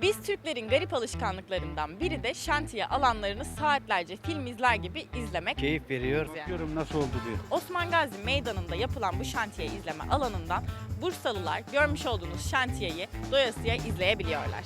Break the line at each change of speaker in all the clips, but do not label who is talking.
Biz Türklerin garip alışkanlıklarından biri de şantiye alanlarını saatlerce film izler gibi izlemek.
Keyif veriyor.
Yani.
Diyorum nasıl oldu diye.
Osman Gazi Meydanı'nda yapılan bu şantiye izleme alanından Bursalılar görmüş olduğunuz şantiyeyi doyasıya izleyebiliyorlar.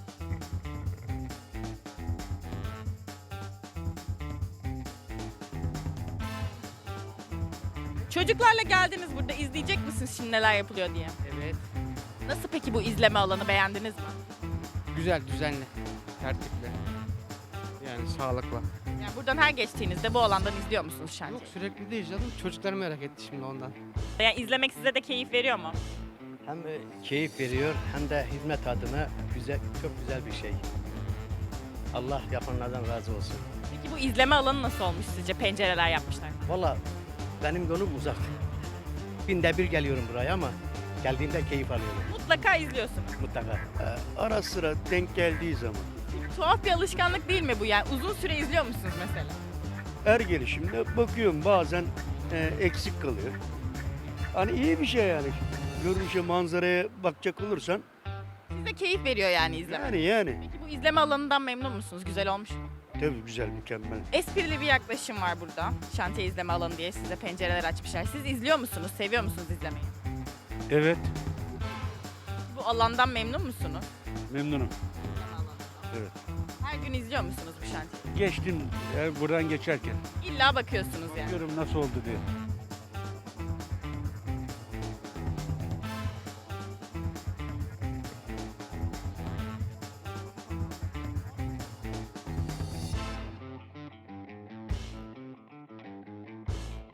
Çocuklarla geldiniz, burada izleyecek misiniz şimdi neler yapılıyor diye?
Evet.
Nasıl peki bu izleme alanı, beğendiniz mi?
Güzel, düzenli, tertipli. Yani sağlıklı.
Yani buradan her geçtiğinizde bu alandan izliyor musunuz şantiyeyi?
Yok sürekli değil canım. Çocuklar merak etti şimdi ondan.
Yani izlemek size de keyif veriyor mu?
Hem keyif veriyor hem de hizmet adına güzel, çok güzel bir şey. Allah yapanlardan razı olsun.
Peki bu izleme alanı nasıl olmuş sizce? Pencereler yapmışlar.
Valla benim yolum uzak. Binde bir geliyorum buraya ama geldiğimde keyif alıyorum
Mutlaka izliyorsunuz.
mutlaka.
Ara sıra denk geldiği zaman.
Tuhaf bir alışkanlık değil mi bu yani? Uzun süre izliyor musunuz mesela?
Her gelişimde bakıyorum bazen eksik kalıyor. Hani iyi bir şey yani. Görünüşe manzaraya bakacak olursan
Size keyif veriyor yani izlemek.
yani
Peki bu izleme alanından memnun musunuz? Güzel olmuş mu?
tabii güzel mükemmel.
Esprili bir yaklaşım var burada. Şantiye izleme alanı diye size pencereler açmışlar. Siz izliyor musunuz? Seviyor musunuz izlemeyi?
Evet
Bu alandan memnun musunuz?
memnunum. Evet.
Her gün izliyor musunuz bu şantiyeyi?
Geçtim buradan geçerken.
İlla bakıyorsunuz yani.
Diyorum nasıl oldu diye.